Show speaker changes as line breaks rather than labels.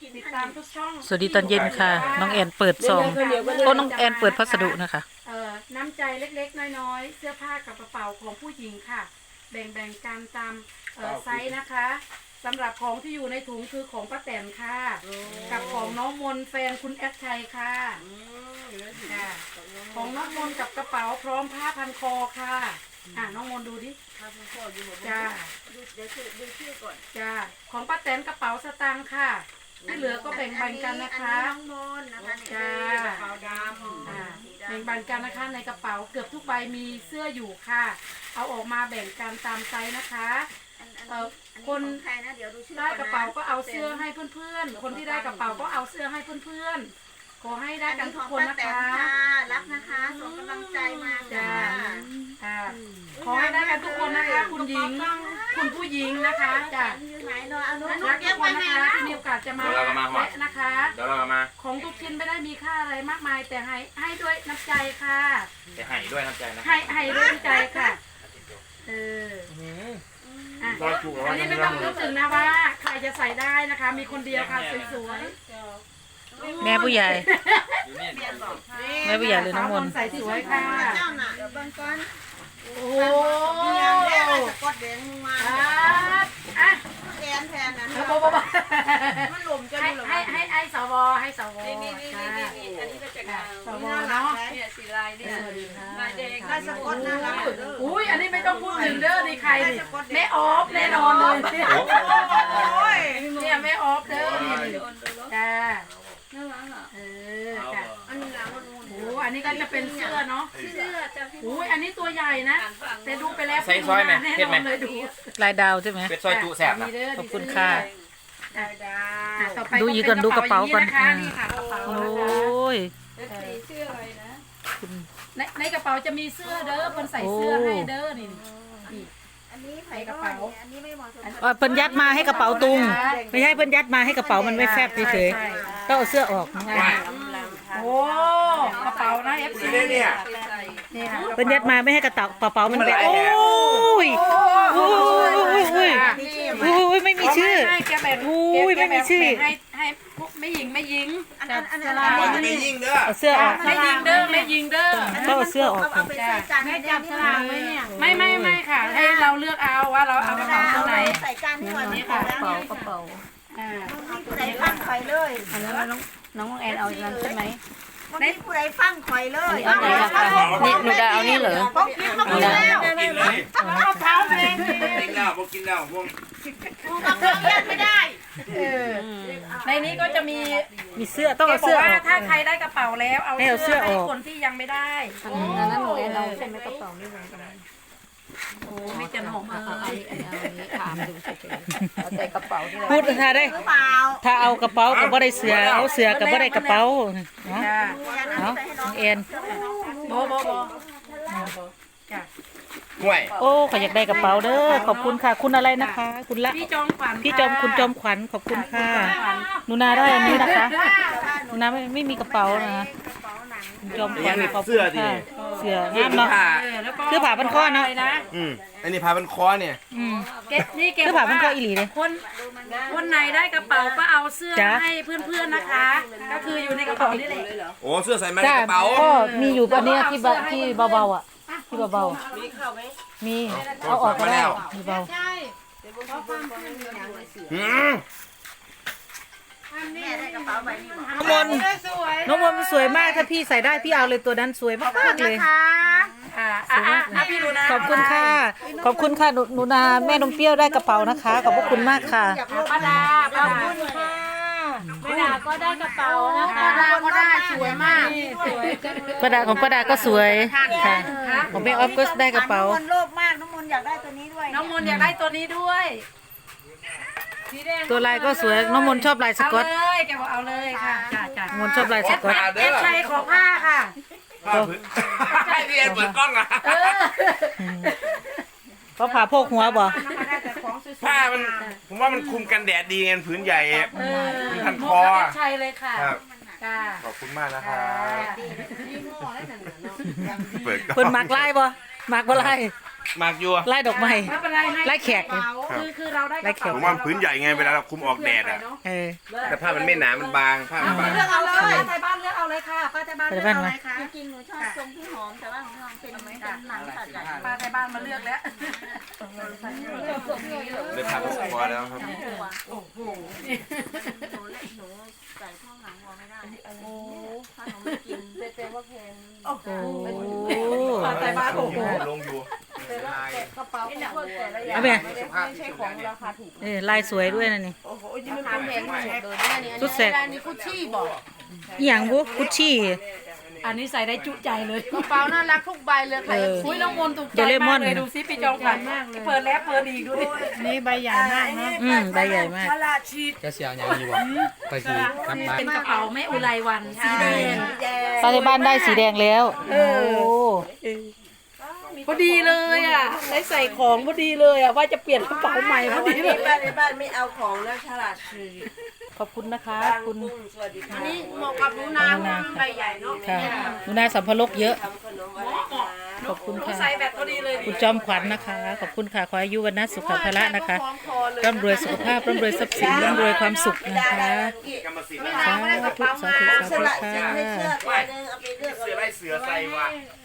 ติดตามทุกช่อง
สวัสดีตอนเย็นค่ะ น้องแอนเปิดซองโอ้น้องแอนเปิดพัสดุนะคะ
น้ำใจเล็กๆน้อยๆเสื้อผ้ากับกระเป๋าของผู้หญิงค่ะ แบ่งกันตามไซส์นะคะสำหรับของที่อยู่ในถุงคือของป้าแตนค่ะกับของน้องมนแฟนคุณแอดชัยค่ะค่ะของน้องมนกับกระเป๋าพร้อมผ้าพันคอค่ะน้องมนดูดิจ้าเดี๋ยวดูชื่อก่อนจ้าของป้าแตนกระเป๋าสตางค์ค่ะที่เหลือก็แบ่งปันกันนะคะ
น้องมนนะคะ
จ้าก
ระเป๋าดำ
แบ่งปันกันนะคะในกระเป๋าเกือบทุกใบมีเสื้ออยู่ค่ะเอาออกมาแบ่งกันตามไซส์นะคะคนได้กระเป๋าก็เอาเสื้อให้เพื่อนๆคนที่ได้กระเป๋าก็เอาเสื้อให้เพื่อนๆขอให้ได้กันทุกคนนะคะ
รักนะคะส่งกำลังใจมาจ้า
ขอให้ได้กันทุกคนนะคะคุณหญิงคุณผู้หญิงนะคะจ้ะรักทุกคนนะคะที่มีโอกาสจะมาแวะนะคะ
เดี๋ยวเรามา
ของทุกชิ้นไม่ได้มีค่าอะไรมากมายแต่ให้ด้วยน้ำใจค่ะ
จะให้ด้วยน้ำใจนะ
ให้ด้วยน้ำใจค่ะอันนี้ไม่ต้องรู้สึกนะว่าใครจะใส่ได้นะคะมีคนเดียวค่ะสวย
แม่ผู้ใหญ่แม่ผู้ใหญ่เลยน้องมน
ใส่สวยค่ะ
เจ้าน่ะเดี๋ยวเบิ่งก่อน
โอ้
แม่สะกดแดงมาแทนนะมันหล่มจะดูหรอ
ให้สวให้สว
นี่อันนี้ก็จะ
สวเนาะ
เนี่ยสีลายเนี่ยลายแดง
ได้สะกดน่ารัก
อุ้ยอันนี้ไม่ต้องพูดถึงเด้อนี่ใครดิแม่ออฟแน่นอนเลยเนี่ยแม่ออฟเด้อจ้า
น่ารักอ่ะ
จ้ะ
อันนี้ละมัน
โอ้อันนี้ก็จะเป็นเสื้อเนาะ
เสื้อจะ
อุ้ยอันนี้ตัวใหญ่นะแต่ดูไปแล้ว
ใส่ซอยไหมเห็นไหม
ลายดาวใช่ไหม
เป็นซอยจุแสบนะ
ขอบคุณค่ะ
ต่อไป
ดูอีกก่อนดูกระเป๋าก่อน
นี่ค่ะกระเป๋า
โอ้
นะคะ
ย
เสื้ออะไรนะ
ในกระเป๋าจะมีเสื้อเด้อคนใส่เสื้อให้เด้อนี่
อันนี้ใส่กระเป๋าอันนี้ไม่เหมาะสม
เพิ่นยัดมาให้กระเป๋าตุงไม่ใช่เพิ่นยัดมาให้กระเป๋ามันไม่แฟบเฉยๆต้องเอาเสื้อออก
โอ้กระเป๋านะเอฟซี
เนี่ย
เพิ่นยัดมาไม่ให้กระเป๋ามันแบโอ้ยโอ้ยไม่มีชื่อไม่มีชื่อ
ให้ไม่ยิง
อันนี้
ไม่ยิงเด้อ
เอาเสื้อออก
ไม่ยิงเด้อไม่ยิงเด้อ
ต้องเอาเสื้อออก
เอาไปใส่จานให้จับสลากไว้เนี่ย
ไม่ค่ะให้เราเลือกเอาว่าเราเอากระเป๋าตัวไหน
ใส่จานที่วันนี้ค่ะ
กระเป๋า
ผู้ใดฟังข่อยเลย
อันนั้นน้องแอนเอาอันนั้นใช่ไหม
ในผู้ใดฟังข่อยเลย
นี่หนูจะเอานี่เหรอ
ต้องกินต้องกินแล้ว
กินเลย
เอาเท้าเลย
กินแล้วพวกกินแล้วพวก
ต้องเล่นไม่ได้
ในนี้ก็จะมี
เสื้อต้องเอาเสื้อออก
ถ้าใครได้กระเป๋าแล้วเอาเสื้อให้คนที่ยังไม่ได้
อันนั้นหนูแอนเอาใช่ไหมกระเป๋านี่เหมือนกัน
โอ้ไม่จะหอมอัน
นี้ถามดูเฉยๆเอาใส่กระเป๋าพูดถ้าได้
หรือเปล่า
ถ้าเอากระเป๋ากับบ่ได้เสือเอาเสือกับบ่ได้กระเป๋าเนาะเอาเอ็น
โบจ้ะ
ห่วย
โอ้ขออยากได้กระเป๋าเด้อขอบคุณค่ะคุณอะไรนะคะคุณละ
พี่จอมขวัญ
คุณจอมขวัญขอบคุณค่ะหนูนาได้อันนี้นะคะหนูนาไม่มีกระเป๋านะจอมขวัญขอบคุณค่ะเสืองามเนาะคือผ่าพันคอเนาะ
อันนี้พาเป็นคอเนี่ย
นี่เก็บ
คือผ่าพันคออีหลีเลย
คนไหนได้กระเป๋าก็เอาเสื้อให้เพื่อนๆนะคะก็คืออยู่ในกระเป๋านี่แหละ
โอ้เสื้อใส่มาในกระเป๋า
ก็มีอยู่อันนี้ที่เบาๆอ่ะที่เบาๆมีเข้าไหมมีเอาออกก็ได้มีเบา
ใช่แม่ได้กระเป๋าใบนี้
น้องมนสวยมากถ้าพี่ใส่ได้พี่เอาเลยตัวนั้นสวยมากเลย
พี่ดูนะ
ขอบคุณค่ะขอบคุณค่ะหนูนาแม่นมเปรี้ยวได้กระเป๋านะคะขอบพระคุณมากค่ะ
ป้าดา
ขอบคุณค่ะ
ป้าดาก็ได้กระเป๋านะคะป้าดาก็ได้สวยมาก
ป้าดาของป้าดาก็สวยค่ะของแม่ออฟก็ได้กระเป๋า
น้องมนโลภมากน้องมนอยากได้ตัวนี้ด้วย
น้องมนอยากได้ตัวนี้ด้วย
ตัวลายก็สวยน้องมนชอบลายสก๊อต
เลยแกบอกเอาเลยค่ะจ้ะ
มนชอบลายสก๊อต
เอฟชัยขอผ้าค่ะ
ให้เรียนเปิดกล้องอ่ะ
เขาผ่าโพกหัวบ่
ผ้ามันผมว่ามันคุมกันแดดดีไงผืนใหญ่มันพันคอ
เอฟชัยเลยค่ะ
ขอบคุณมากนะครับ
เปิดมักไล่บ่มักบ่ไล่
มากอยู่
ไล่ดอกไม้
ไม่เป็นไรให้
ไล่แขก
กระเป๋าคือเราได้กระเป๋า
ผมว่ามันพื้นใหญ่ไงเวลาเราคุมออกแดดอ่ะ
เออ
แต่ผ้ามันไม่หนา มันบางผ้ามันบาง
เลือกเอาเลยป้าไทยบ้านเลือกเอาเลยค่ะป้าไทยบ้านเลือกเอาเลยค่ะ
จริงๆหนูชอบทรงพี่หอมแต่ว่าของพี่หอมเป็นหนังตัดใหญ่
ป้าไทยบ้านมาเลือกแล้ว
เลยผ้ามันพอแล้วครับ
โอ้โห
หนูใส่ช่องหนังวัวไม่ได้โอ้ถ้าหนูไม่กินเป็นว่าแพง
โอ้โห
โอ้
ป้าไทยบ้านโอ้โห
ลงอยู่
กระเป๋าพวกแต่ละอย่า
เอา
ง
ไป
ไม่ใช่ของราคาถูก
ลายสวยด้วยนะนี่
ราคาแพงทั้งหมดเลยเนี่ย
สุดแสบ
อันนี้กุชชี่บอก
อหย่างบุกุชชี่
อันนี้ใส่ได้จุใจเลย
กระเป๋าน่ารักทุกใบเลยค่ะ
อุ้ยน้องมนต์ถูกใจ
เดเรม
มา
อก น
เลยดูซิปีจองขวัญมากเลยเปิดแล้วเปิดอีกดูดิ
นี่ใบใหญ่มากนะ
ใบใหญ่มาก
จะเสียอย่างนี้บ่ไปขี่กลับบ้าน
เป็นกระเป๋าแม่อุไรวันสีแดง
ป้าในบ้านได้สีแดงแล้วโอ้
พอดีเลยอ่ะได้ใส่ของพอดีเลยอ่ะว่าจะเปลี่ยนกระเป๋าใหม่พอดีเลย
บ้านในบ้านไม่เอาของแล้วฉลาดซื้อ
ขอบคุณนะคะคุณ
สวัสดีค่ะ
นี่เหมาะกับหนูนาเพราะมันใบใหญ่เนาะ
ค่ะหนูนาสัมภารกเยอะ
ทำขนมอะไรคะ
ขอบคุณค่ะ
ใส่แบบพอดีเลย
คุณจอมขวัญนะคะ ขอบคุณค่ะ ขออายุวันนะสุขภาระนะคะร่ำรวยสุขภาพร่ำรวยทรัพย์สินร่ำรวยความสุขนะคะ
กรรมสิทธิ์
สาธุสาธุสาธุ
สละ
ค่ะ
สิทธิ์ให้เสื้อตัวนึงเอาไปเลือก
เสือไล่เสือใส่ว่ะ
เ